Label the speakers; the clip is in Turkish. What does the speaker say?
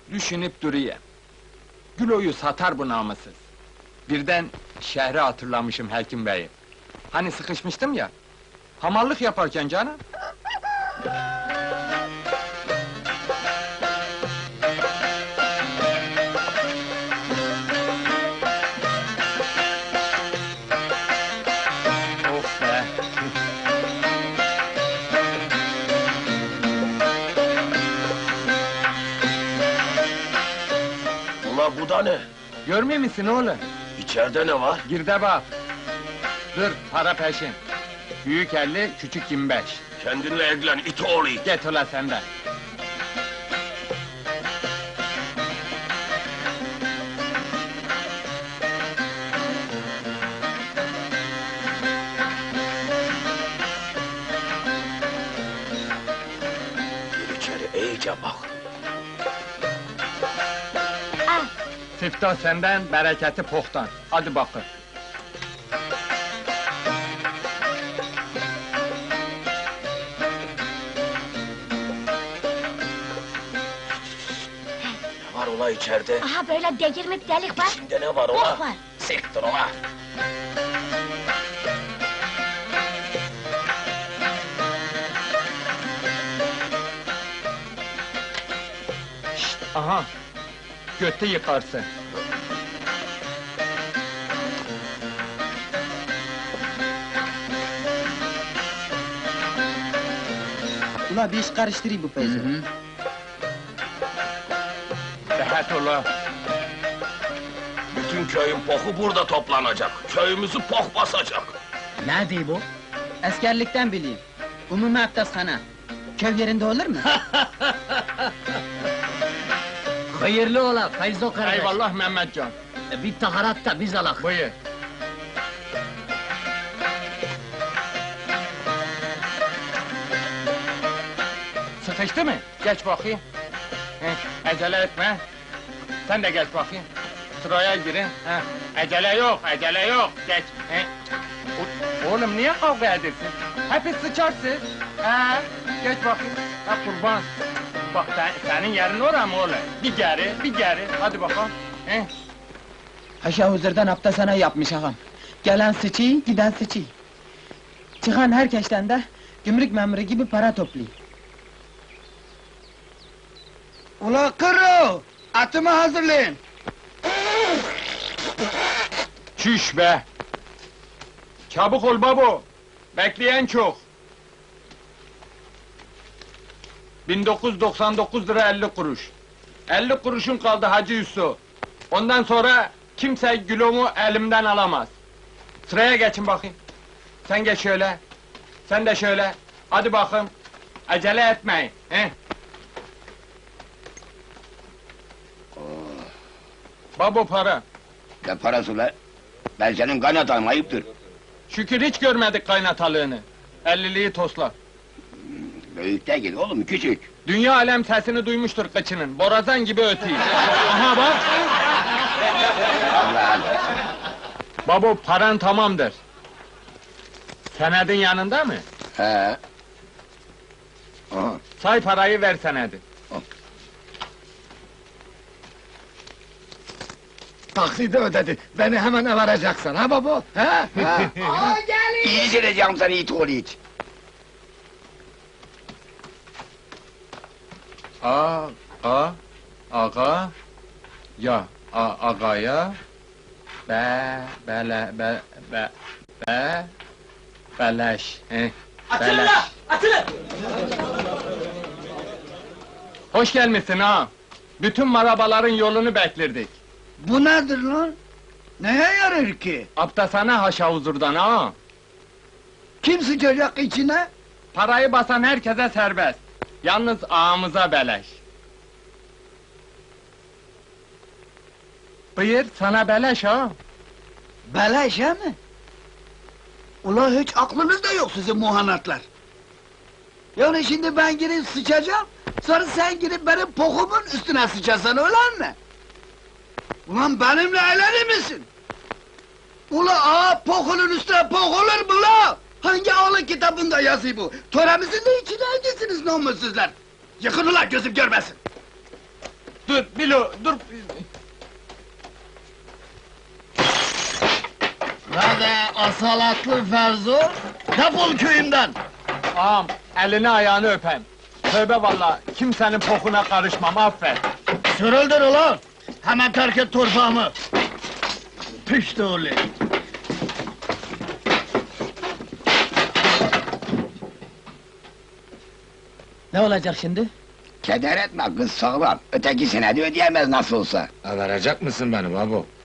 Speaker 1: Düşünüp duruyor. Gülo'yu satar bu namussuz. Birden şehri hatırlamışım Hekim Bey'i. Hani sıkışmıştım ya, hamallık yaparken canım. Of be!
Speaker 2: Ula bu da ne?
Speaker 1: Görmüyor musun oğlum?
Speaker 2: İçeride ne var?
Speaker 1: Gir de bak! Dur, para peşin. Büyük 50, küçük 25.
Speaker 2: Kendinle ilgilen, it oğlu it!
Speaker 1: Get ula senden.
Speaker 2: Gir içeri, iyice bak!
Speaker 1: Siftah senden, bereketi pohtan. Hadi bakın.
Speaker 2: Ne var ula içeride?
Speaker 3: Aha böyle delirmek delik var.
Speaker 2: İçinde ne var ula?
Speaker 3: Bok var.
Speaker 2: Siktir ula!
Speaker 1: Aha! Götü yıkarsın.
Speaker 4: Ula bir iş karıştırayım bu Feyzo.
Speaker 1: Rahat ula.
Speaker 2: Bütün köyün poku burada toplanacak. Köyümüzü pok basacak.
Speaker 4: Ne diyor bu? Askerlikten bileyim. Umumi abdesthane. Köy yerinde olur mu?
Speaker 5: Hayırlı ola Feyzo kardeş.
Speaker 1: Eyvallah Mehmetcan.
Speaker 5: Bir taharat da biz alak.
Speaker 1: Buyur. Sıkıştı mı? Geç bakayım. Heh, acele etme. Sen de geç bakayım. Sıraya girin. Heh, acele yok, acele yok. Geç. Heh. Oğlum niye kavga edersin? Hepsi sıçarsın. Geç bakayım. Ha kurban. Bak senin yerin oraya mı oğlum? Bir geri, bir geri. Hadi bakalım. Heh.
Speaker 4: Haşa huzurdan abdesthane yapmış ağam. Gelen sıçıyı, giden sıçıyı. Çıkan herkesten de gümrük memuru gibi para topluyor.
Speaker 6: Ula kırı! Atımı hazırlayın!
Speaker 1: Çüş be! Çabuk ol babo! Bekleyen çok! 1999 lira 50 kuruş. 50 kuruşun kaldı Hacı Yusuf. Ondan sonra kimse Gülo'mu elimden alamaz. Sıraya geçin bakayım. Sen geç şöyle. Sen de şöyle. Hadi bakayım. Acele etmeyin. He? Babo para.
Speaker 7: Ne parası la? Ben senin kaynatan ayıptır.
Speaker 1: Şükür hiç görmedik kaynatalığını. 50'liği tosla.
Speaker 7: Büyük değil oğlum, küçük.
Speaker 1: Dünya alem sesini duymuştur kıçının. Borazan gibi ötüyor. Aha bak!
Speaker 7: Allah Allah.
Speaker 1: Babo paran tamamdır. Senedin yanında mı?
Speaker 7: He. Aha.
Speaker 1: Say parayı ver senedi.
Speaker 6: Taksidi ödedi, beni hemen varacaksın ha baba? Ha? Ha?
Speaker 7: İyi sileceğim seni it oğlu it.
Speaker 1: Aga, ya, agaya, beleş,
Speaker 5: Atılın la! Atılın!
Speaker 1: Hoş gelmişsin ha! Bütün marabaların yolunu beklerdik.
Speaker 6: Bu nedir lan? Neye yarar ki?
Speaker 1: Abdesthane haşa huzurdan ha!
Speaker 6: Kim sıçacak içine?
Speaker 1: Parayı basan herkese serbest. Yalnız ağamıza beleş. Buyur, sana beleş ha!
Speaker 6: Beleş he mi? Ula hiç aklınızda yok sizin muhanatlar. Yani şimdi ben girip sıçacağım, sonra sen girip benim pokumun üstüne sıçasan öyle mi? Ulan benimle eğlenir misin? Ula ağa pokunun üstüne pok olur mu la? Hangi ağlı kitabında yazıyor bu? Töremizin de içine hangisiniz namussuzlar? Yıkın ula gözüm görmesin!
Speaker 1: Dur, bir Bilo, dur!
Speaker 6: Hadi asalatlı Ferzo, defol köyümden!
Speaker 1: Ağam, elini ayağını öpem. Tövbe vallahi, kimsenin pokuna karışmam, affet.
Speaker 6: Sürüldür ulan! Hemen terk et torpağımı! Pişti oğlu!
Speaker 4: Ne olacak şimdi?
Speaker 7: Keder etme, kız sağlam. Ötekisine de ödeyemez nasıl olsa.
Speaker 2: Verecek misin beni babo?